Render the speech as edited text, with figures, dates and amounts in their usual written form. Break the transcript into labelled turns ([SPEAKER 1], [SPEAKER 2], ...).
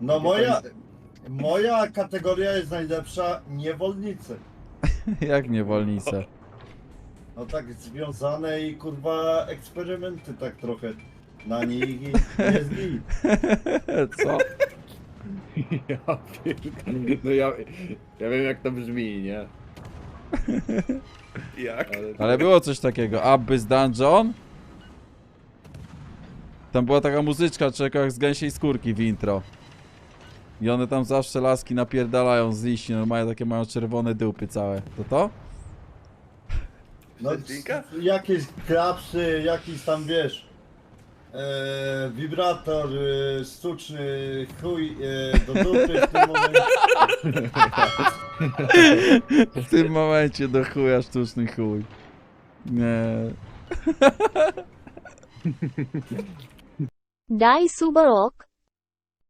[SPEAKER 1] No moja kategoria jest najlepsza, niewolnicy.
[SPEAKER 2] Jak niewolnice.
[SPEAKER 1] No tak związane i kurwa eksperymenty tak trochę na nich i jest git.
[SPEAKER 2] Co?
[SPEAKER 3] Ja pierdolę. No ja wiem jak to brzmi, nie?
[SPEAKER 4] Jak?
[SPEAKER 2] Ale było coś takiego. Abyss Dungeon? Tam była taka muzyczka, czeka jak z gęsiej skórki w intro. I one tam zawsze laski napierdalają z liści, normalnie takie mają czerwone dupy całe. To to?
[SPEAKER 1] No
[SPEAKER 4] Zedzinka?
[SPEAKER 1] jakieś klapsy, jakiś tam wiesz, wibrator sztuczny, chuj do dupy w tym momencie.
[SPEAKER 2] W tym momencie do chuja sztuczny chuj. Nie.
[SPEAKER 5] Die Subarok,